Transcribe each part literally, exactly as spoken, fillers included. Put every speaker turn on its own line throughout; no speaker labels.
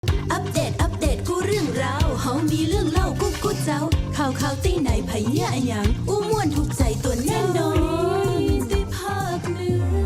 อัปเดตอัปเดตกูเรื่องราวเฮามีเรื่องเล่ากูกูเจ้าข่าวข่าวตีไหนไผเนี่ยอะหยังอู้ม่วนถูกใจตัวแน่นอนได้ภาคเหนือ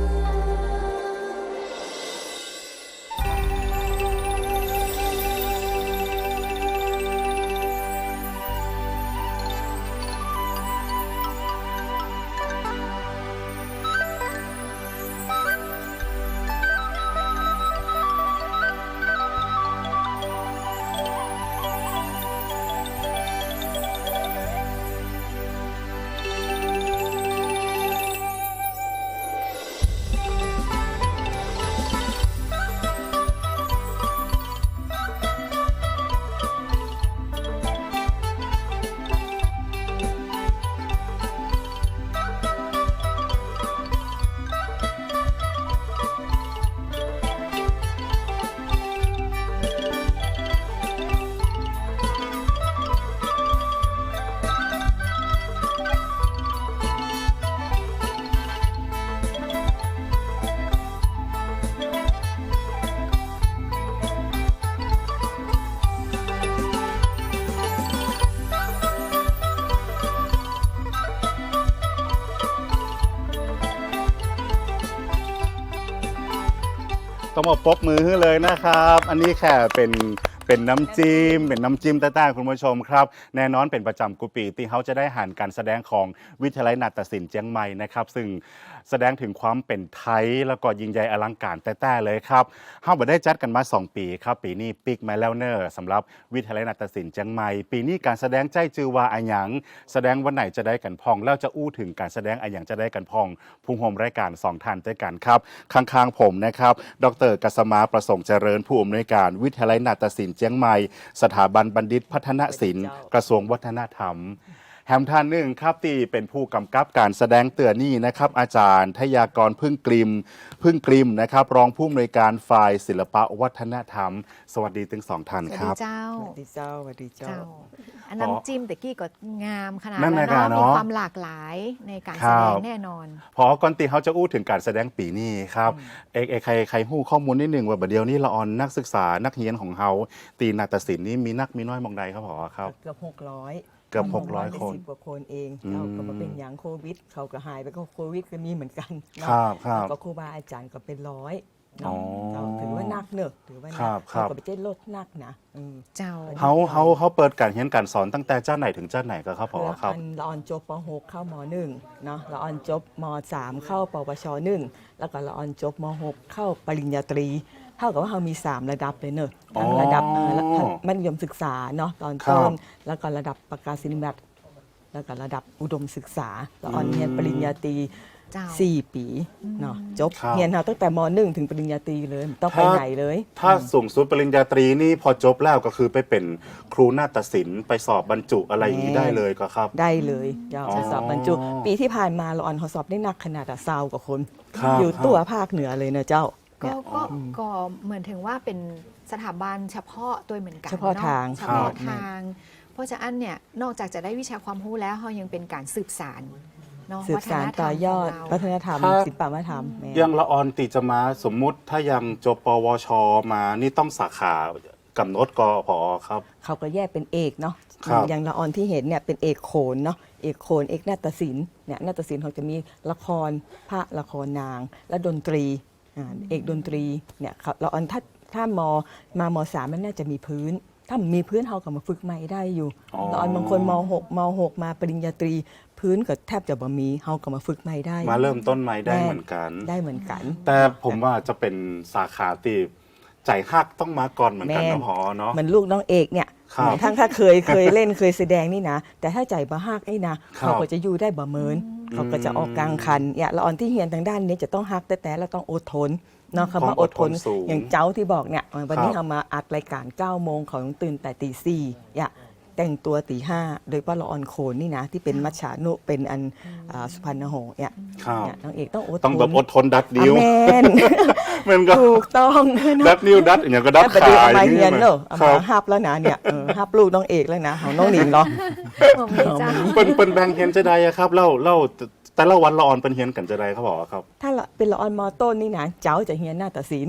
ต้องมาปรบมือเลยนะครับ อันนี้แค่เป็นเป็นน้ำจิ้มเป็นน้ำจิ้มต้าๆคุณผู้ชมครับแน่นอนเป็นประจำกุปีที่เขาจะได้หันการแสดงของวิทยาลัยนาฏศิลป์เจียงใหม่นะครับซึ่งแสดงถึงความเป็นไทยแล้วก็ยิ่งใหญ่อลังการแต่ๆเลยครับเฮาบ่ได้จัดกันมาสองปีครับปีนี้ปิกมาแล้วเนอร์สำหรับวิทยาลัยนาฏศิลป์เจียงใหม่ปีนี้การแสดงใจจือว่าอะหยังแสดงวันไหนจะได้กันพองแล้วจะอู้ถึงการแสดงอะหยังจะได้กันพองผู้ร่วมรายการสองท่านด้วยกันครับข้างๆผมนะครับดร.กัสมาประสงค์เจริญผู้อำนวยการวิทยาลัยนาฏศิลป์เจียงใหม่สถาบันบัณฑิตพัฒนศิลป์กระทรวงวัฒนธรรมแฮมท่านหนึ่งครับที่เป็นผู้กำกับการแสดงเตือนนี่นะครับอาจารย์ทยากรพึ่งกลิมพึ่งกลิมนะครับรองผู้อำนวยการฝ่ายศิลปวัฒนธรรมสวัสดีทั้งสองท่านครับ
เจ้า
สวัสดีเจ้าสวัสดีเจ้า
เจ้าอันน้ำจิ้มแต่กี้ก็งามขนาด
นั่น
แล้ว
นะ
เนาะ
เนาะ
มีความหลากหลายในการ
ครั
แส
บ
ดงแน่นอน
พอก่อนตีเขาจะอู้ถึงการแสดงปีนี้ครับเอกเอกใครใครหู้ข้อมูลนิดหนึ่งว่าบัดเดียวนี้ละออนนักศึกษานักเรียนของเขาตีนาฏศิลป์นี่มีนักมีน้อยมองใดครับพอครับ
เกือบหกร้อย
เกือบหกร้อยคน
สิบกว่าคนเอง
อืม
เราก็มาเป็นอย่างโควิด เขาก็หายไปก็โควิดก็มีเหมือนกันเนาะ
ครับครับ
แล้วก็ครูบาอาจารย์ก็เป็นร้อย
อ๋อ
เนาะเราถือว่านักเนอะถือว่า
ครั
นั
บครับ
เราก็ไปเจ๊ลดนักนะอืม
เจ้า
เขาเขาเขาเปิดการเรียนการสอนตั้งแต่เจ้าไหนถึงเจ้าไหนก็ครับพอ
เพื่อ
ครับ
พันละออนจบป .หก เข้าม .หนึ่ง เนาะละออนจบม .สาม เข้าปวช หนึ่ง แล้วก็ละออนจบม .หก เข้าปริญญาตรีเท่ากับว่าเรามีสามระดับเลยเนอะทั้งระดับเอ่อและมัธยมศึกษาเนาะตอนต้นแล้วก็ระดับประกาศนียบัตรแล้วก็ระดับอุดมศึกษาละออนเรียนปริญญาตรี
เจ้า
สี่ปีเนาะจบ
ครับ
เรียนเราตั้งแต่ม .หนึ่ง ถึงปริญญาตรีเลยไม่ต้องไป
ถ้า
ไหนเลย
ถ้าสูงสุดปริญญาตรีนี่พอจบแล้วก็คือไปเป็นครูนาฏศิลป์ไปสอบบรรจุอะไรอย่างนี้ได้เลยก็ครับ
ได้เลยเจ้า
อ๋อ
สอบบรรจุ ปีที่ผ่านมาเราออนเขาสอบได้หนักขนาดอะซาวกว่าคน
ครับ
อยู่ตัวภาคเหนือเลยนะเจ้า
ก็
เนี่ย
ก็ก็เหมือนถึงว่าเป็นสถาบันเฉพาะตัวเหมือนกัน
เฉพาะ
น
ทาง
เฉพาะ
ครับ
ทาง เพราะฉะนั้นเนี่ยนอกจากจะได้วิชาความรู้แล้วเขายังเป็นการสืบสานเนาะ
สืบสารต่อยอด
วั
วั
ฒ
ฒ
น
น
ธ
ธ
ร
ร
ร
ร
ม
ม
ของเรา
ศิลปวัฒนธรรมแม่
ยังละออนติจะมาสมมุติถ้ายังจบปวชมานี่ต้องสาขากำหนดกอพอครับ
เขาก็แยกเป็นเอกเนาะ
ครับ
อย่างละออนที่เห็นเนี่ยเป็นเอกโขนเนาะเอกโขนเอกนาฏศิลป์เนี่ยนาฏศิลป์เขาจะมีละครพระละครนาง และดนตรีอ่าเอกดนตรีเนี่ยเขาละออนถ้าถ้ามมามสามมันน่าจะมีพื้น ถ้ามีพื้นเขาก็มาฝึกใหม่ได้อยู่
อ๋อ
ละออนบางคนมหกมหกมาปริญญาตรี พื้นก็แทบจะบ่มีเขาก็มาฝึกใหม่ได้
มาเริ่มต้นใหม่ได้เหมือนกัน
ได้เหมือนกัน
แต่ผมว่าจะเป็นสาขาตีใจฮักต้องมาก่อนเหมือนกัน
แม่
นะพอเนาะ
เหมือนลูกน้องเอกเนี่ย
ครับ
ทั้งถ้าเคยเคยเล่นเคยแสดงนี่นะ แต่ถ้าใจบ่ฮักไอ้นะเขาก็จะอยู่ได้บ่เมินเขาก็จะออกกลางคันเนี่ยละออนที่เฮียนทางด้านนี้จะต้องฮักแต่แต่เราต้องอดทนเนาะคำว่าอดทน
สูง
อย่างเจ้าที่บอกเนี่ยวันนี้
ครับ
เรามาอัดรายการเก้าโมงเขาต้องตื่นแต่ตีสี่อย่าแต่งตัวตีห้าโดยเฉพาะละออนโคนนี่นะที่เป็นมัชฉานุเป็นอันอ่าสุพรรณหงส์เนี่ย
ครับ
เนี่ยน้องเอกต้องอดทน
ต้องแบบอดทนดัดนิ้ว
อ่ะแม่น
มันก็
ถูกต้อง
ดัดนิ้วดัดอย่างเงี้ยก็ดัด
แล้ว
ขา
เอา
อ
มา
ย่าง
เฮี
เงี้
ย
ย
นเนอะเอา
ครั
มา
บ
ฮับแล้วนะเนี่ยเออฮับลูกน้องเอกแล้วนะของน้องหนิงเนาะ
ผมมีเจ้า
เปิ้นเปิ้นแบ่งเฮียนจะได้อะครับเล่าเล่าแต่ละวันละออนเป็นเฮียนกันจะได้ครับบอกครับ
ถ้าละเป็นละออนมอต้นนี่นะเจ้าจะเฮียนหน้าตัดสิน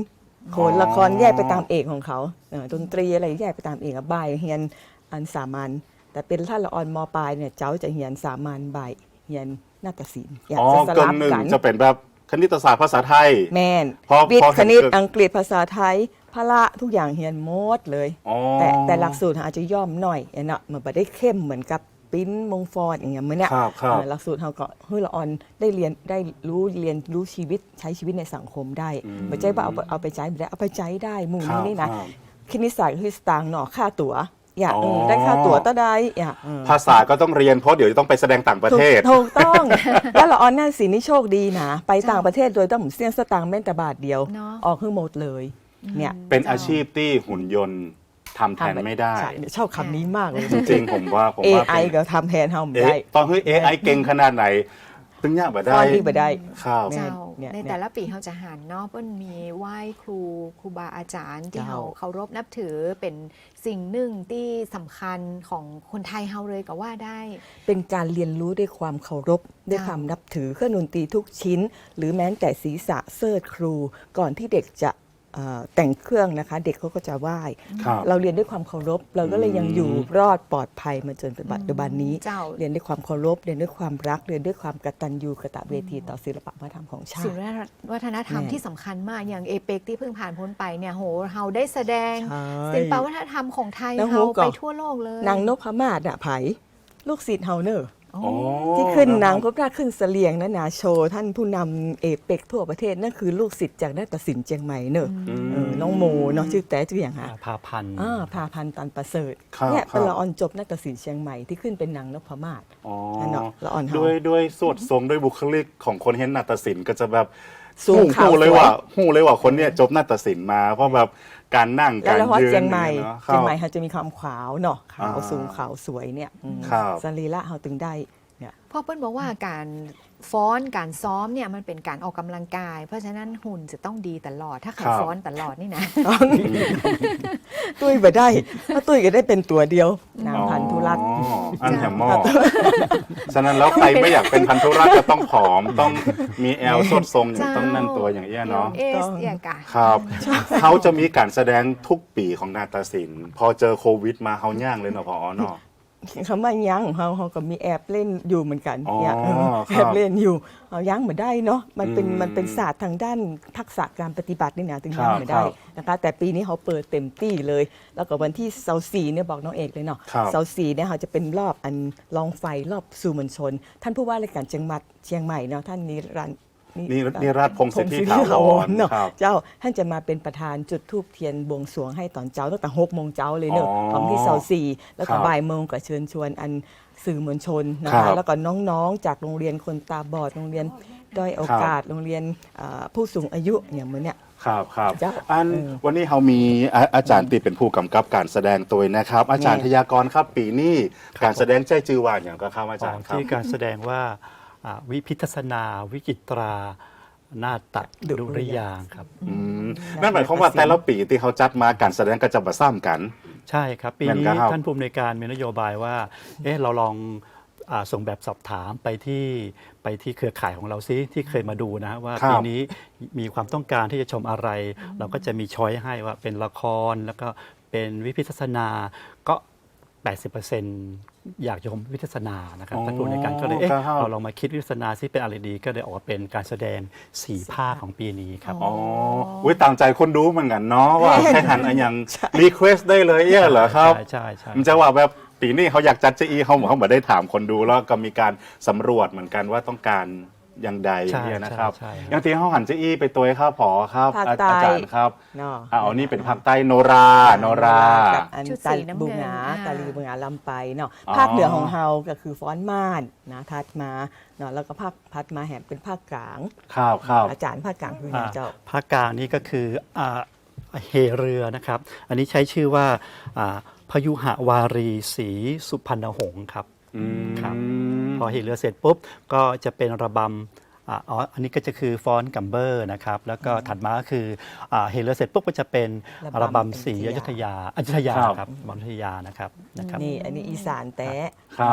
โขนละครแยกไปตามเอกของเขาเอ่อดนตรีอะไรแยกไปตามเอกอะบ่ายเฮียนอันสามัญแต่เป็นท่านละออนมปลายเนี่ยเจ้าจะเฮียนสามัญบ่ายเฮียนนาฏศิลป์อยาก
อ๋อ
จะส
เกิ
ลั
น
บ
หนึ่ง
กัน
จะเป็นแบบคณิตศาสตร์ภาษาไทย
แม่น
พอ
วิท
พอ
ย์
เห็
คน ณิต
เกิด
อังกฤษภาษาไทยพละทุกอย่างเฮียนหมดเลย
อ๋อ
แต่แต่หลักสูตรอาจจะย่อมหน่อยเนาะมันไม่ได้เข้มเหมือนกับปิ้นมงฟอร์ดอย่างเงี้ยเหมือนเนี่ย
ครับครับ
เอ่อหลักสูตรเราก็เฮ้ยละออนได้เรียนได้รู้เรียนรู้ชีวิตใช้ชีวิตในสังคมได้
อืม
ไม่ใช่ว่าเอาไปเอาไปใช้ไม่ได้เอาไปใช้ได้หมู่
ครั
นี้
บ
นี่นะ
ครับ
คณิตศาสตร์คือสตางค์เนาะค่าตั๋วอยาก
อ๋อ
เออได้ค่าตั๋วต้าได้อยากเออ
ภาษาก็ต้องเรียนเพราะเดี๋ยวจะต้องไปแสดงต่างประเทศ
ถูกถูกต้อง แล้วละออนนั่นสินี่โชคดีนะไปต่างประเทศโดยต้องเสี้ยนสตางค์แม่นแต่บาทเดียว
เนาะ
ออกคือหมดเลยเนี่ย
เป็นอาชีพที่หุ่นยนต์ทำแทนไม่ได้
ใช่ชอบคำนี้มากเลย
จริงๆผมว่าผมว่า
เอ ไอ
เป็น
ก็ทำแทนเฮาไม่
เอ๊ะ
ได้
ตอนเฮ้ย เอ ไอ เก่งขนาดไหนตึงยากบ่
ต
ได้
อนที่บ่ได้
ครับ
เจ้า
เนี่ย
ใน
เนี่ย
แต่ละปีเขาจะหันเนาะเปิ้นมีไหว้ครูครูบาอาจารย์ที่
เจ้า
เขาเคารพนับถือเป็นสิ่งหนึ่งที่สำคัญของคนไทยเฮาเลยก็ว่าได้
เป็นการเรียนรู้ด้วยความเคารพด้วยความนับถือเครื่องดนตรีทุกชิ้น หรือแม้แต่ศีรษะเสิร์ชครู ก่อนที่เด็กจะเอ่อแต่งเครื่องนะคะ เด็กเขาก็จะไหว้
ครับ
เราเรียนด้วยความเคารพ เราก็เลยยังอยู่รอดปลอดภัยมาจนปัจจุบันนี้
เจ้า
เรียนด้วยความเคารพเรียนด้วยความรักเรียนด้วยความกตัญญูกตเวทีต่อศิลปวัฒนธรรมของชา
ศิล
ติ
ปวัฒนธรรม
แน่
ที่สำคัญมากอย่างเอเปกที่เพิ่งผ่านพ้นไปเนี่ยโหเฮาได้แสดง
ใช่
ศิลปวัฒนธรรมของไทย
แล้ว
เฮา
ฮู้ก่อน
ไปทั่วโลกเลย
นางนพมาศน่ะไผลูกศิษย์เฮาเนอะ
โอ้
อ๋อ
ที่ขึ้นนางพบราขึ้นเสลียงนะนาโชว์ท่านผู้นำเอเปกทั่วประเทศนั่นคือลูกศิษย์จากนาฏศิลป์เชียงใหม่เนอะ
อืม
เออน้องโมเนาะชื่อแต่ชื่ออย่างฮะ
พาพันธ์
อ่าพาพันธ์ตันประเสริฐ
ครับ
เนี่ยเป็น
ครับ
ละออนจบนาฏศิลป์เชียงใหม่ที่ขึ้นเป็นนางนพมาศ
อ๋อ
นั่นเนาะละอ่อนเฮา
ด้วยด้วยสวดทรงด้วยบุคลิกของคนเห็นนาฏศิลป์ก็จะแบบ
สูงขาว
หูเลย
สวย
ว่าหูเลยว่าคนเนี้ยจบนาฏศิลป์มา เพราะแบบการนั่ง
แล้
กาว ร
ละฮอด
ยืน
เชียงใหม่
นี่เนาะ
เชียงใหม่เขาจะมีความขาวเนาะขาว
อ่า
สูงขาวสวยเนี่ยอืม
ครับ
สรีระเฮาถึงได้เนี่ย
พ่อเปิ้ลบอกว่าการฟ้อนการซ้อมเนี่ยมันเป็นการออกกำลังกาย เพราะฉะนั้นหุ่นจะต้องดีตลอดถ้าใคร
ครับ
ฟ้อนตลอดนี่นะ
ตุ้ยไปได้ถ้าตุ้ยก็ได้เป็นตัวเดียวนางพันธุรัตน์
อ๋ออันแถมหม้อฉะนั้นแล้วใครไม่อยากเป็นพันธุรัตน์จะต้องผอมต้องมีแอลสดทรงอย่างต้องนั่นตัวอย่างเงี้ยเนาะ
เอสเอียกะ
ครับเขาจะมีการแสดงทุกปีของนาฏศิลป์พอเจอโควิดมาเขาย่างเลยเนาะพอเนาะ
คำว่ายั้งของเขาเขาก็มีแอบเล่นอยู่เหมือนกัน
อ๋อ
เนี่ยเออ
ครับ
แอบเล่นอยู่เอายั้งเหมือนได้เนาะมันเป็น
อืม
มันเป็นศาสตร์ทางด้านทักษะการปฏิบัตินี่นะถึง
ครั
ยั้
บ
งเหมือนได้
ครับ
นะคะแต่ปีนี้เขาเปิดเต็มที่เลย แล้วก็วันที่เสาร์สี่เนี่ยบอกน้องเอกเลยเนาะ
ครับ
เสาร์สี่เนี่ยเขาจะเป็นรอบอันลองไฟรอบสู่มวลชน ท่านผู้ว่าราชการเชียงใหม่เชียงใหม่เนาะท่านนิรันดร์
นี่นี่ราชพงศ์สิทธิ
พงศ์
ถาวร
เนาะ
ครับ
เจ้าท่านจะมาเป็นประธานจุดธูปเทียนบวงสรวงให้ตอนเจ้าตั้งแต่หกโมงเจ้าเลยเนอะ
อ๋อ
ของที่เสาสี่แล้ว
ครั
ก็
บ
บ่ายโมงก็เชิญชวนอันสื่อมวลชนนะ
ครั
คะ
บ
แล้วก็น้องๆ จากโรงเรียนคนตาบอดโรงเรียนด้อยโอกาสโรงเรียนอ่าผู้สูงอายุอย่างเหมือนเนี่ย
ครับครับ
เจ้า
อัน
เออ
วันนี้เรามีอาอาจารย์ตีเป็นผู้กำกับการแสดงตัวนะครับ อาจารย์
แน่
ทยากรครับปีนี้การแสดงใจจือว่าอย่างก็ครับอาจารย์ครับ
ที่การแสดงว่าอ่าวิพิทัศนา วิจิตรานาฏดุริยางค์ครับ
อืมนั่นหมายความว่าแต่ละปีที่เขาจัดมาการแสดงก็จะมาซ้ำกัน
ใช่ครับ ปี
นั่น
นี้
ก็ครับ
ท่านผู้อำนวยการมีนโยบายว่า เอ๊ะเราลองอาส่งแบบสอบถามไปที่ไปที่เครือข่ายของเราซิที่เคยมาดูนะว่า
ครับ
ปีนี้มีความต้องการที่จะชมอะไร เราก็จะมีช้อยให้ว่าเป็นละครแล้วก็เป็นวิพิทัศนาก็ แปดสิบเปอร์เซ็นต์ อยากชมวิทัศนานะครับ
อ๋อ
ท่านผู้อำนวยการก็เลยเอ๊ะ
ครับ
เราลองมาคิดวิทัศนาซิเป็นอะไรดี ก็เลยออกมาเป็นการแสดงสี่ภาคของปีนี้ครับ
อ๋ออุ้ยตามใจคนดูเหมือนกันเนาะว่าแค่หันอันยังรีเควสได้เลยเอี้ยเหรอครับ
ใช่ใช่ใช่
มันจะว่าแบบปีนี้เขาอยากจัดเจอีเขาเขาบอกได้ถามคนดูแล้วก็มีการสำรวจเหมือนกันว่าต้องการอย่างใด
ใช่
เนี่ยนะครับ
ใช่ใช่
อย่างที่เขาหันเจอีไปตัวครับผอครับ
ภาค
อา
ใต้
อาจารย์ครับ
เนาะ
อ่าเอานี่เป็นภาคใต้โนราโนรา
กับอัน
ชุด
ตา
สีน้ำเงิน
บูงา
อ่า
ตาลีบูงาลำไปเนาะ
อ๋อ
ภาคเหนือของเฮาก็คือฟ้อนม่านนะทัดมาเนาะแล้วก็ภาคพัดมาแหมเป็นภาคกลาง
ครับครับ
อาจารย์ภาคกลางคืออย่างเจ้า
ภาคกลางนี่ก็คืออ่าเฮเรือนะครับ อันนี้ใช้ชื่อว่าอ่าพยุหวารีศรีสุพรรณหงษ์ครับ
อืม
ครับ พอเฮเรือเสร็จปุ๊บก็จะเป็นระบำอ่าอ๋ออันนี้ก็จะคือฟ้อนกัมเบอร์นะครับ แล้วก็ถัดมาก็คืออ่าเฮเรือเสร็จปุ๊บก็จะเป็น
ระ
ระ
บำ
บำศรีอยุธยาอยุธยาครับระบำอยุธยานะครับนะครับ
นี่อันนี้อีสานแต้
ครับ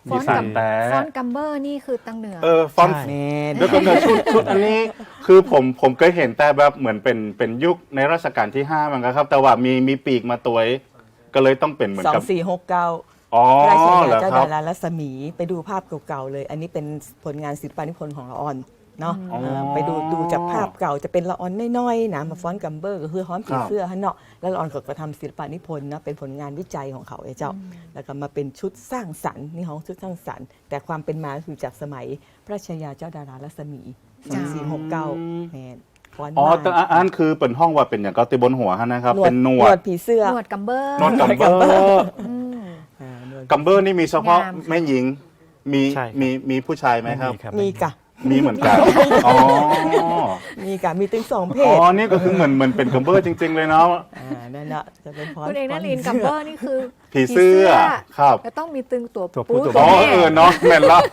ฟอนต์
มีสา
กั
ม
ม
แต่
ฟอนต์กัมเบอร์นี่คือตังเหนือ
เออฟอนต์
ใช่
แม่น
เดี๋ยวก่อนเดี๋ยวชุดชุดอันนี้คือผมผมเคยเห็นแต่แบบเหมือนเป็นเป็นยุคในรัชกาลที่ห้ามันก็ครับ แต่ว่ามีมีปีกมาตัวเองก็เลยต้องเป็นเหมือน
สอ
กับ
งสี่หกเก้า
อ๋อ
ราช
เหร
ยา
อ
เจ้า
ครั
ดา
บ
รารัศมีไปดูภาพเก่าๆเลย อันนี้เป็นผลงานศิลปานิพนธ์ของละออนเนาะ
อ๋อ
เออไปดูดูจากภาพเก่าจะเป็นละออนน้อยๆนะมาฟ้อนกัมเบอร์ก็คือฮ้อนผี
ครับ
เสื้อฮะเนาะแล้วละออนก็กระทำศิลปานิพนธ์นะเป็นผลงานวิจัยของเขาไอ้เจ้า แล้วก็มาเป็นชุดสร้างสรรค์นี่ของชุดสร้างสรรค์แต่ความเป็นมาคือจากสมัยพระราชยาเจ้าดารารัศมีสองสี่หกเก้าแมนฟ้อน
อ๋อ
มา
แต่อันอันคือเป็นห้องว่าเป็นอย่างก็ติบนหัวฮะนะครับ
หนว
เป็
ด
นหน
หน
ว
ว
ด
ดผีเสื้อ
หนวดกัมเบอร์
หนวดกัมเบอร์
อืม
อ่าหนวด
กัมเบอร์นี่มีเฉพาะ
งามค่ะ
แม่หญิงมี
ใช่ครับ
มีมีผู้ชายไหมครับ
ครับ
มีกะ
มีเหมือนกันอ๋อ
มีกะมีถึงสองเพ
อ๋
ศ
อนี่ก็คือเหมือนเหมือนเป็นกัมเบอร์จริง ๆ เลยเนาะ
อ่านั่นแหละจะเป็นฟ้อน
คุณเอกนัน
ฟ้
ลินกัมเบอร์นี่คือ
ผีเสื้อครับ
จะต้องมีตึงตัว
ตัวผู้
ปู
ตัว
อ๋อ
แม่
เออเนาะแม่นแล้ว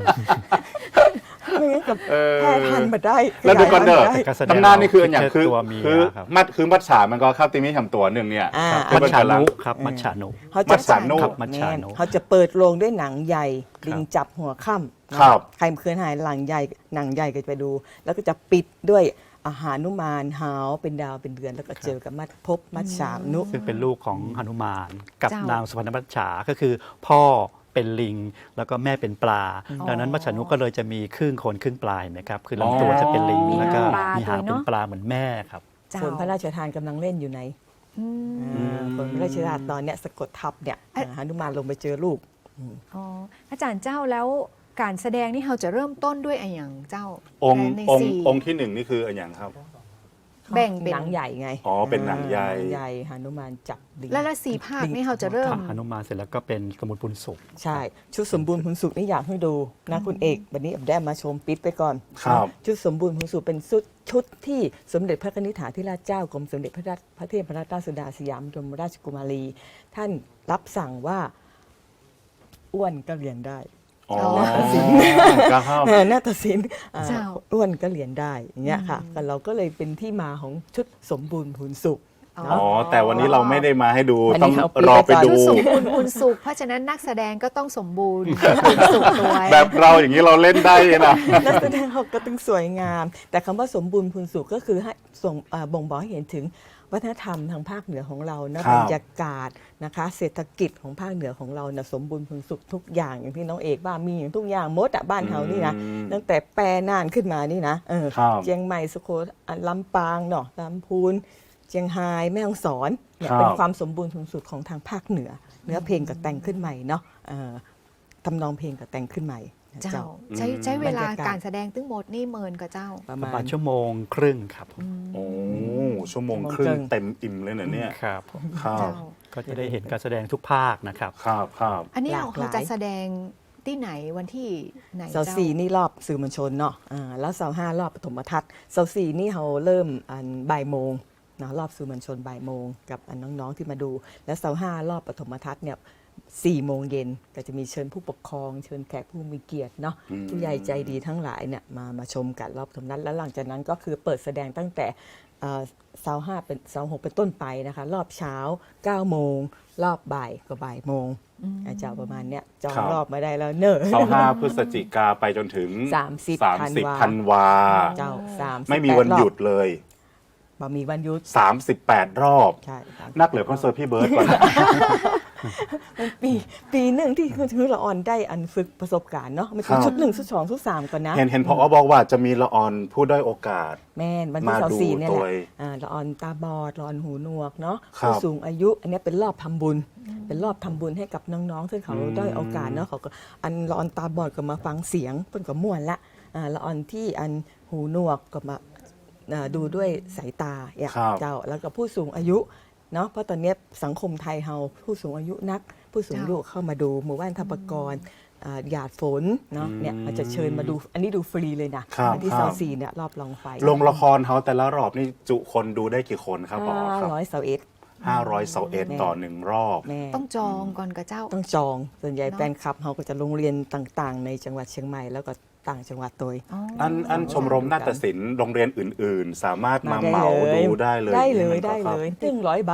ไม่งั้นกับ
เออ
แพร่พันธุ์มาได้
แล้วดูก่อนเด้อ
ขยายพันธุ์มาได้
การแสดง
ตำนานนี่คืออันอย่างคือ
ตัวเมีย
คือ
ครับ
มัดคือมัดฉามันก็เข้าตีมีทำตัวหนึ่งเนี่ย
อ่า
คือ
มั
เป็
จ
น
ฉา
พลัง
นุครับมัจฉานุ
เขา
มั
จะ
ดฉานุ
ครับมัจฉานุ
แม่นเขาจะเปิดโรงด้วยหนังใหญ่ ลิงจับหัวค่ำนะครับ ใครเคยหายหลังใหญ่หนังใหญ่ก็จะไปดู แล้วก็จะปิดด้วยอาหารนุมานหาวเป็นดาวเป็นเดือนแล้วก็เจอกับมัดพบมัดฉามนุ
ซึ่งเป็นลูกของหนุมานกับ
เจ้าน
นางสุพรรณมัจฉาก็คือ พ่อเป็นลิงแล้วก็แม่เป็นปลา ดังนั้นมัจฉานุก็เลยจะมีครึ่งโคนครึ่งปลายนะครับคือลำตัวจะเป็นลิง
มี
แล้วก็
หางปลา
มีหาง
ด้วย
เป็น
เนอะ
ปลาเหมือนแม่ครับ
เจ้า
ส่วนพระราชทานกำลังเล่นอยู่ใน
อืม
อ่าส่วนพระราชทานตอนเนี้ยสะกดทับเนี่ย
เอ๊ะ
หานุมานลงไปเจอลูก
อ๋ออาจารย์เจ้าแล้วการแสดงนี่เราจะเริ่มต้นด้วยอะไรอย่างเจ้า
องค์
ใน
องค์
สี่
องค์ที่หนึ่งนี่คืออันอย่างครับ
แบ่งเป็น
หนังใหญ่ไง
อ๋อเป็นหนังใหญ่
นังใหญ่หานุมานจับลิง
แล้วละสี่ภาคนี่เราจะเริ่ม
หนุมานเสร็จแล้วก็เป็นสมุนปุนสุข
ใช่ ชุดสมบูรณ์ผลสุขนี่อยากให้ดูนะคุณเอกวันนี้แอบได้มาชมปิดไปก่อน
ครับ
ชุดสมบูรณ์ผลสุขเป็นชุดชุดที่สมเด็จพระนิธิถาธิราชเจ้ากรมสมเด็จพระราชพระเทพรัตนราชสุดาสยามบรมราชกุมารี ท่านรับสั่งว่าอ้วนก็เรียนได้
อ๋อ
อ๋อ
ก็เข้า
เออนาฏศิลป์อ่า
เจ้า
อ้วนก็เรียนได้อย่างเงี้ยค่ะก็เราก็เลยเป็นที่มาของชุดสมบูรณ์ผลสุข
อ๋อ
อ๋อ แต่วันนี้เราไม่ได้มาให้ดู
วันนี้
ต้อง
เอาปิด
รอไป
ไปก่อน
ดู
ชุดสมบูรณ์คุณสุข เพราะฉะนั้นนักแสดงก็ต้องสมบูรณ์คุณสุขตัว
แบบเราอย่างนี้เราเล่นได้นะ
นักแสดงเขาก็ต้องสวยงาม แต่คำว่าสมบูรณ์พูนสุขก็คือให้ส่งเอ่อบ่งบอกให้เห็นถึงวัฒนธรรมทางภาคเหนือของเรานะครับ บรรยากาศนะคะ เศรษฐกิจของภาคเหนือของเรานะสมบูรณ์พูนสุขทุกอย่างอย่างที่น้องเอกว่ามีอย่างทุกอย่างหมดอะบ้านเฮานี่นะ
อืม
ตั้งแต่แปรน่านขึ้นมานี่นะเออ
ครับ
เชียงใหม่สุโขทัยลำปางเนาะลำพูนเชียงรายแม่ฮ่องสอนเนี่ย
ครับ
เป็นความสมบูรณ์พูนสุขของทางภาคเหนือ เนื้อเพลงก็แต่งขึ้นใหม่เนาะเอ่อทำนองเพลงก็แต่งขึ้นใหม่นะ
เจ้า
เจ้า
ใช้ใช้เวลา
บรรยากาศ
การแสดงทั้งหมดนี่เมินกับเจ้า
ประ
ประ
มา
มา
ณ
ณชั่วโมงครึ่งครับผม
โอ้ชั่วโมงครึ่งเต็มอิ่มเลยเหรอเนี่ย
ครับผม
ครับ
เจ้า
ก็จะได้เห็นการแสดงทุกภาคนะครับ
ครับครับ
อันนี้เรา
หลากห
เรา
ลาย
จะแสดงที่ไหนวันที่ไหน
เสา
เจ้า
สี่นี่รอบสื่อมวลชนเนาะอ่าแล้วเสาห้ารอบปฐมทัศน์เสาสี่นี่เขาเริ่มอันบ่ายโมงนะรอบสื่อมวลชนบ่ายโมงกับอันน้องๆที่มาดู แล้วเสาห้ารอบปฐมทัศน์เนี่ยสี่โมงเย็นก็จะมีเชิญผู้ปกครองเชิญแขกผู้มีเกียรติเนาะ
อืม
ผู้ใหญ่ใจดีทั้งหลายเนี่ยมามาชมกันรอบปฐมทัศน์แล้วหลังจากนั้นก็คือเปิดแสดงตั้งแต่เอ่อเสาห้าเป็นเสาหกเป็นต้นไปนะคะรอบเช้าเก้าโมงรอบบ่ายก็บ่ายโมงอาจารย์ประมาณเนี้ยจอง
ครับ
รอบมาได้แล้วเนอะ
เสาร์ห้าพฤศจิกาไปจนถึง
สามสิบ
สามสิบ
ธั
ธัน
น
วา
วา เจ้าสามสิบ
ไม่มีวันหยุดเลย
บ่มีวันหยุด
สามสิบแปด รอบ
ใช่ครับ
นักเหลือคอนเสิร์ตพี่เบิร์ดก่อน
มันปีปีหนึ่งที่คือละออนได้อันฝึกประสบการณ์เนาะมัน
ครั
คือบ ชุดหนึ่งชุดสองชุดสามก่อนนะ
เห็นเห็นพอบอกว่าจะมีละออนผู้ด้อยโอกาส
แม่นวันที่
มา
เสา
ดู
สี่เนี่ยแห
ตั
ละ
วเอง
อ่าละออนตาบอดละออนหูหนวกเนาะ
ครับ
ผู้สูงอายุ อันเนี้ยเป็นรอบทำบุญ เป็นรอบทำบุญให้กับน้องๆซึ่งเขา
อืม
ด้อยโอกาสเนาะเขาก็อันละออนตาบอดก็มาฟังเสียงเพิ่นก็ม่วนละอ่าละออนที่อันหูหนวกก็มาอ่าดูด้วยสายตาอย่าง
ครับ
เจ้าแล้วก็ผู้สูงอายุเนาะเพราะตอนเนี้ยสังคมไทยเฮาผู้สูงอายุนัก ผู้สูงอายุเข้ามาดูหมู่บ้านทัพกรอ่าหยาดฝนเนาะเนี่ยเราจะเชิญมาดูอันนี้ดูฟรีเลยนะครับ วันที่
ครั
เสา
บ
สี่เนี่ยรอบลองไฟ
ลงละครเขาแต่ละรอบนี่จุคนดูได้กี่คนครับพอ
ห้า
ครับ
ร้อยเสาเอ็ด
ห้าร้อยเสาเอ็ดต่อหนึ่งรอบ
แม่
ต้องจองก่อนกับเจ้า
ต้องจองส่วนใหญ่
เนอะ
แฟนคลับเขาก็จะโรงเรียนต่างๆ ในจังหวัดเชียงใหม่แล้วก็ต่างจังหวัดโดย
อ๋อ
อันอันชมรมนาฏศิลป์โรงเรียนอื่น ๆ สามารถมา
ได้
เหมา
เลย
ดูได้เลย
ได้เลย
นี่มันก็
ได้
ครับ
เลยตึ้งร้อยบาท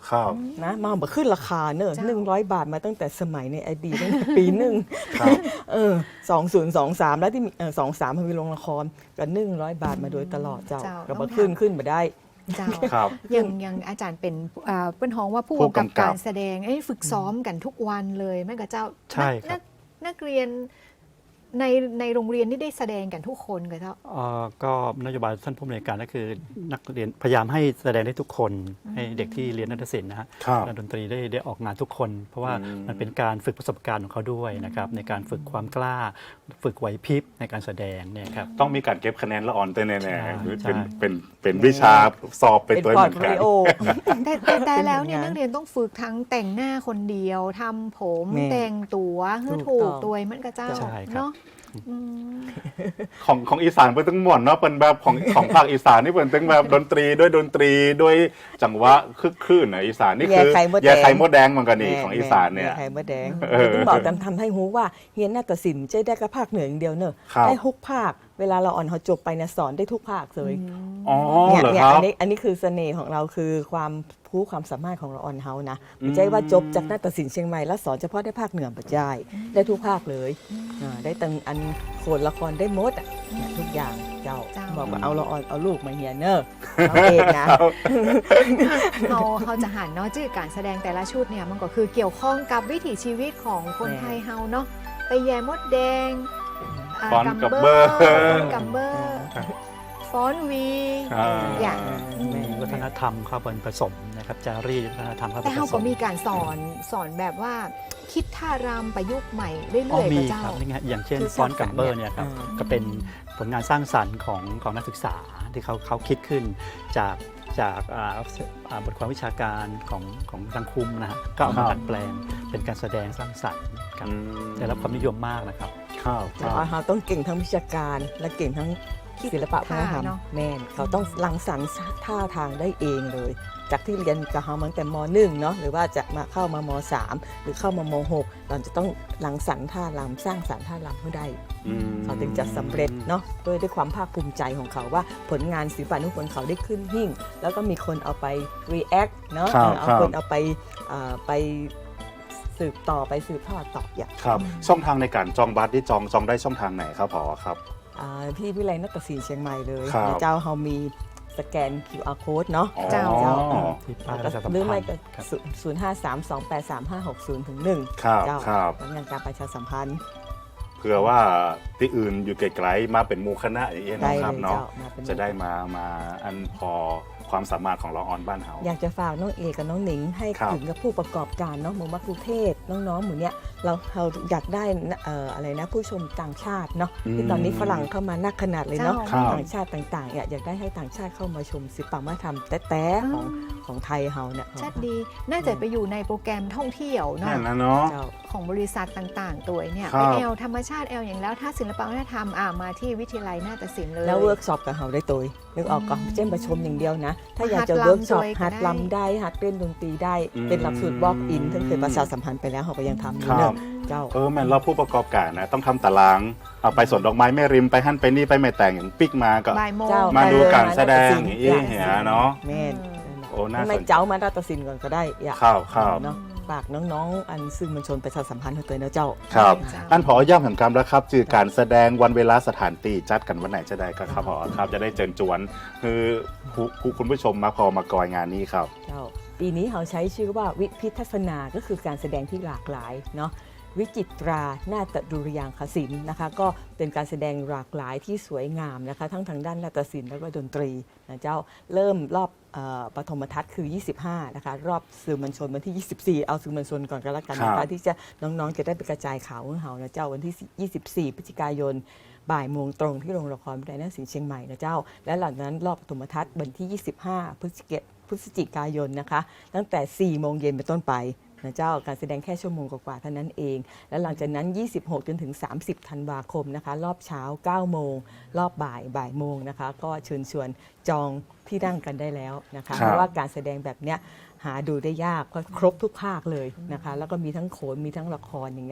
ครับ
นะมาบอกขึ้นราคาเนอะ
เจ้า
หนึ่งร้อยบาทมาตั้งแต่สมัยในอดีตตั้งแต่ปีหนึ่ง
ครับ
เออสองศูนย์สองสามแล้วที่มีเออสองสามมันมีโรงละครก็หนึ่งร้อยบาทมาโดยตลอดเจ้า
เจ้า
ก็มาขึ้นขึ้นมาได้
เจ้า
ครับ
ยังยังอาจารย์เป็นอ่าเป็นห้องว่าผู้
ผู้
กำกับ
กำกับ
การแสดงเอ้ยฝึกซ้อมกันทุกวันเลยแม่กับเจ้า
ใช่ครับ
นักนักเรียนในในโรงเรียนนี่ได้แสดงกันทุกคนกับเจ้า
เอ่อก็นโยบายท่านผู้อำนวยการก็คือนักเรียนพยายามให้แสดงได้ทุกคน ให้เด็กที่เรียนนาฏศิลป์นะฮะ
ครับ
และดนตรีได้ได้ออกงานทุกคน เพราะว่า
อืม
มันเป็นการฝึกประสบการณ์ของเขาด้วยนะครับในการฝึกความกล้า ฝึกไหวพริบในการแสดงเนี่ยครับ
ต้องมีการเก็บคะแนนละอ่อนเต้นแน่
ใช่
ๆหรือ
ใช่
เป็นเป็นเป็นวิชาสอบไป
เป็น
ตัว
พอ
เห
ร์ต
มือน
โฟ
กั
ลิ
น
โอ
แต่แต่แต่แล้วเนี่ย
เป็นไง
นักเรียนต้องฝึกทั้งแต่งหน้าคนเดียวทำผม
แม่
แต่งตัวให้
ถู
ถู
ก
ก
ต้อง
ตัวมันกับเจ้า
ใช่ครับ
เนาะอืม
ของของอีสานเป็นตั้งหมดเนาะเป็นแบบของของภาคอีสานนี่เป็นตั้งแบบดนตรีด้วยดนตรีด้วยจังหวะคึกคลื่นนะอีสานนี่คือ
แย่ไข่มดแดง
แย่ไข่มดแดงเหมือนกันนี่ของอีสานเนี่ย
ไข่มดแดง
เออ
ต้องบอกตามทำให้รู้ว่าเฮียนนาฏศิลป์ใช้ได้กับภาคเหนืออย่างเดียวเนอะ
ครับ
ได้ทุกภาค เวลาเราอ่อนเขาจบไปนะสอนได้ทุกภาคเลย
อ๋อ
เนี่ย
เหรอ
เนี่ย
ครั
อั
บ
นนี้อันนี้คือเสน่ห์ของเราคือความผู้ความสามารถของเราออนเฮานะไม่ใช่ว่าจบจากนาฏศิลป์เชียงใหม่แล้วสอนเฉพาะได้ภาคเหนือปัจจัยได้ทุกภาคเลยอ่าได้ตั้งอันโขนละครได้หมดอ่ะเนี่ยทุกอย่างเจ้า
เจ้า
บอกว่าเอาเราออนเอาลูกมาเฮียนเนอะเอาเองนะ
เขาเขาจะหันเนาะชื่อการแสดงแต่ละชุดเนี่ยมันก็คือเกี่ยวข้องกับวิถีชีวิตของคน
แน่
ไทยเฮาเนาะไปแย่มดแดงา
ฟ้อนกับเบอร์
ฟ้อนกัมเบอร์ฟ้อนวี
อ่า
อย่าง
แม่
มีวัฒนธรรมเข้าไปผสมนะครับจารีตวัฒนธรรมเข้าไป
แต่
ผ
เขา
ส
ก็
ม
มีการสอนสอนแบบว่าคิดท่ารำประยุกต์ใหม่เรื่
อ๋อ
อยๆ
มี
พระเจ้า
ครับนี่ไงอย่างเช่น
คือ
ฟอนต์กัมเบอร์
สร้างสรรค์
เนี่ยครับ
อ่า
ก็เป็นผลงานสร้างสรรค์ของของนักศึกษาที่เขาเขาคิดขึ้นจากจากอ่าอ่าบทความวิชาการของของทางคุมนะฮะก็เอามา
ครับ
ดัดแปลงเป็นการแสดงสร้างสรรค์ครับ
อืม
ได้รับความนิยมมากนะครับ
ครับค
แต่
รับ
ว่าเขาต้องเก่งทั้งวิชาการและเก่งทั้งศิลปะวัฒนธรรม
ท่าเนอะ
แม่นเขาต้องรังสรรค์ท่าทางได้เองเลย จากที่เรียนกับเขามาตั้งแต่มหนึ่งเนาะหรือว่าจะมาเข้ามามสามหรือเข้ามามหกเราจะต้องรังสรรค์ท่ารำสร้างสรรค์ท่ารำให้ได้
อืม
เขาถึงจะสำเร็จเนาะด้วยด้วยความภาคภูมิใจของเขาว่าผลงานศิลปะนุพนธ์เขาได้ขึ้นหิ่ง แล้วก็มีคนเอาไป react เนาะ
ครับ
เอา
ครับ
คนเอาไปเอ่อไปสืบต่อไปสืบทอดต่ออย่าง
ครับ ช่องทางในการจองบัตรที่จองจองได้ช่องทางไหนครับผอครับ
อ่าที่วิไลนาฏศิลป์เชียงใหม่เลย
ครับ
นะเจ้าเขามีสแกน คิว อาร์ code เนาะ
อ๋อ
เจ้า
ที่ป้ายประชาสัม
หรือไม่
พัน
ก็
ธ์ครับ
ศูนย์ห้าสามสองแปดสามห้าหกศูนย์ถึงหนึ่ง
ครับ
เจ้า
ครับ
ผลงานการประชาสัมพันธ์
เผื่อว่าที่อื่นอยู่ไกลๆมาเป็นหมูคณะอย่างเงี้ย
ได้
เนาะค
เล
รับ
ย
เนาะ
เจ้ามาเป็น
จะได้มามาอันพอความสามารถของเราออนบ้านเฮา
อยากจะฝากน้องเอกับน้องหนิงให้
ครับ
ถึงกับผู้ประกอบการเนาะหมู่มักกรุงเทพน้องๆหมู่เนี้ยเราเราอยากได้นะเอ่ออะไรนะผู้ชมต่างชาติเนาะที่ตอนนี้ฝรั่งเข้ามานักขนาดเลยเนาะ
เจ้า
ต่างชาติต่างๆเนี่ยอยากได้ให้ต่างชาติเข้ามาชมศิลปวัฒนธรรมแต้ๆของของไทยเฮาเนี่ย
ชัดดี น่าจะไปอยู่ในโปรแกรมท่องเที่ยวเนาะ
นั่นนะเนาะ
เจ้า
ของบริษัทต่างๆ ตัวเนี่ย
ครั
ไป
บ
แอลธรรมชาติแอลอย่างแล้วถ้าศิลปวัฒนธรรมอ่ามาที่วิทยาลัยนาฏศิลป์เลย
แล้วเวิร์กช็อปกับเฮาได้ตัวนึกออกก่อนเช่นประชมอย่างเดียวนะ ถ้าอยากจะ
หัดลำ
เวิร์กช็อป
ด้วยก็
หัด
ได้
ลำได้หัดเล่นดนตรีได้
อืม
เป็นหลักสูตรบล็อกอินที่เคยประชาสัมพันธ์ไปแล้วเขาก็ยังทำอยู่
ครั
เน
บ
อะเจ้า
เออแม่นเราผู้ประกอบการนะต้องทำตารางเอาไปสวนดอกไม้แม่ริมไปหั่นไปนี่ไปแม่แต่งอย่างปิกมาก็
บ่ายโมง
เจ้า
มาดู
ไปเลย
การแสดง
มา
อย่างนี้เหียเนาะ
แม่น
โอ้น่าสน
ไม่เจ้ามาราตสินก่อนก็ได้อยาก
ครับครับ
เนาะฝากน้องๆ อันซึ่งมันชนประชาสัมพันธ์เขาตัวเนาะเจ้า
ครับ
เจ้า
อันพอย่ำแห่งกรรมแล้วครับจือการแสดงวันเวลาสถานที่จัดกันวันไหนจะได้ก็ครับพอครับจะได้เจิญจวนคือผู้คุณผู้ชมมาพอมากอยงานนี้ครับ
เจ้าปีนี้เขาใช้ชื่อว่าวิพิทัศนาก็คือการแสดงที่หลากหลายเนาะวิจิตรานาฏดุริยางคศิลป์นะคะก็เป็นการแสดงหลากหลายที่สวยงามนะคะทั้งทางด้านนาฏศิลป์แล้วก็ดนตรีนะเจ้าเริ่มรอบเอ่อปฐมทัศน์คือ ยี่สิบห้า นะคะรอบสื่อมวลชนวันที่ ยี่สิบสี่ เอาสื่อมวลชนก่อนก็แล้วกันนะ
ครั
คะ
บ
ที่จะน้องๆจะได้ไปกระจายข่าวของเขานะเจ้าวันที่ ยี่สิบสี่ พฤศจิกายนบ่ายโมงตรงที่โรงละครวิทยาลัยนาฏศิลป์เชียงใหม่นะเจ้าและหลังจากนั้นรอบปฐมทัศน์วันที่ ยี่สิบห้า พฤศจิกายนพฤศจิกายนนะคะตั้งแต่ สี่โมงเย็นเป็นต้นไปนะเจ้าการแสดงแค่ชั่วโมงกว่าๆเท่านั้นเอง และหลังจากนั้น ยี่สิบหก จนถึง สามสิบ ธันวาคมนะคะรอบเช้า เก้า โมง รอบบ่ายบ่ายโมงนะคะก็เชิญชวนจองที่นั่งกันได้แล้วนะคะ
ครับ
เพราะว่าการแสดงแบบเนี้ยหาดูได้ยากเพราะครบทุกภาคเลยนะคะแล้วก็มีทั้งโขนมีทั้งละครอย่างเงี้ยค่ะ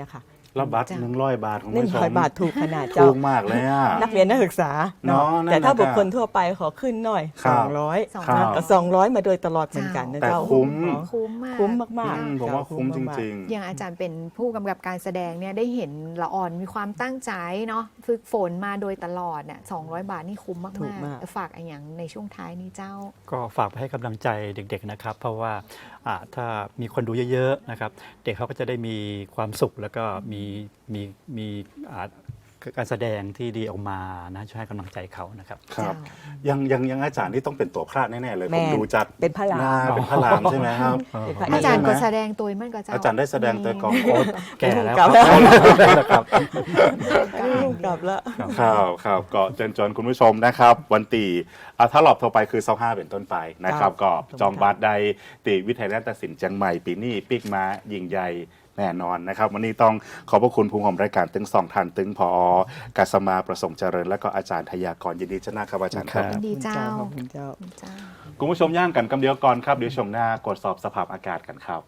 แล้วบัตร
จ้ะ
หนึ่งร้อยบาทคุณ
หนึ่ง
ผู้ช
ร้อย
ม
บาทถูกขนาด
ถู
เจ้า
กมากเลยอ่ะ
นักเรียนนักศึกษา
เนาะนั่น
แต่ถ้า
น่ะ
บุคคลทั่วไปขอขึ้นหน่อย
ครับ
สองร้อย
สอง
ครั
ร้อย
บ
ก็สองร้อยมาโดยตลอดเหมือนกันนะ
แต่
เจ้า
คุ้ม
อ๋อ
คุ้มมาก
คุ้มมาก
อืม
ๆ
ผมว่า
เจ้
คุ้มจ
ากๆ
ริง
อย่างอาจารย์เป็นผู้กำกับการแสดงเนี่ยได้เห็นละอ่อนมีความตั้งใจเนาะฝึกฝนมาโดยตลอดเนี่ยสองร้อยบาทนี่คุ้มมาก
ถูกมาก
ๆฝากอะไรอย่างในช่วงท้ายนี้เจ้า
ก็ฝากไปให้กำลังใจเด็กๆนะครับ เพราะว่าอ่าถ้ามีคนดูเยอะๆนะครับ เด็กเขาก็จะได้มีความสุขแล้วก็มีมีมีอ่าการแสดงที่ดีออกมานะช่วยให้กำลังใจเขานะครับ
ๆ ครับ
เจ้า
ยังยังยังอาจารย์ที่ต้องเป็นตัวพระแน่ๆเลย
แม่
ผมดูจัด
เป็นพระราม
หน้เป็นพระรามใช่ไหมครับ
เป็นพระ
ไม่
อา
ใช่
จารย์
ไหม
ก็แสดงตัวมันก็เจ้า
อาจารย์ได้แสดงแต่ก่อน
โอ้แก่แล้ว
กลับ
ค
แล้ว
รับครับ
ลูกกลับแล้ว
ครับครับก็เชิญชวนคุณผู้ชมนะครับ วันตีอ่ะถ้ารอบต่อไปคือเสาร์ห้าเป็นต้นไปนะครับ
ครับ
ก็จองบัตรได้ตีวิทยาลัยนาฏศิลป์เชียงใหม่ปีนี้ปิกมายิ่งใหญ่แน่นอนนะครับ วันนี้ต้องขอบพระคุณผู้ชมรายการตึงสองทันตึงพอกัสมาประสงค์เจริญ และก็อาจารย์ทยากรยินดีชนะครับอาจารย์ครับ
ครับ
ดีเจ้า
ขอบคุณเจ้า
เจ้า
คุณผู้ชมย่างกันกำเดียวก่อนครับเดี๋ยวชมหน้ากดสอบสภาพอากาศกันครับ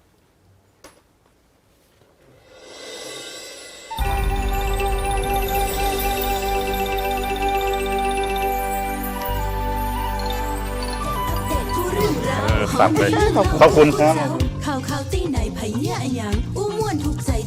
อัปเดตทุกเรื่องราว
เออสับเลย
ของ
ขอบคุณครับ
ข่าวข่าวตีไหนไผเหี้ยอะหยังอู้ม่วนถูกใจ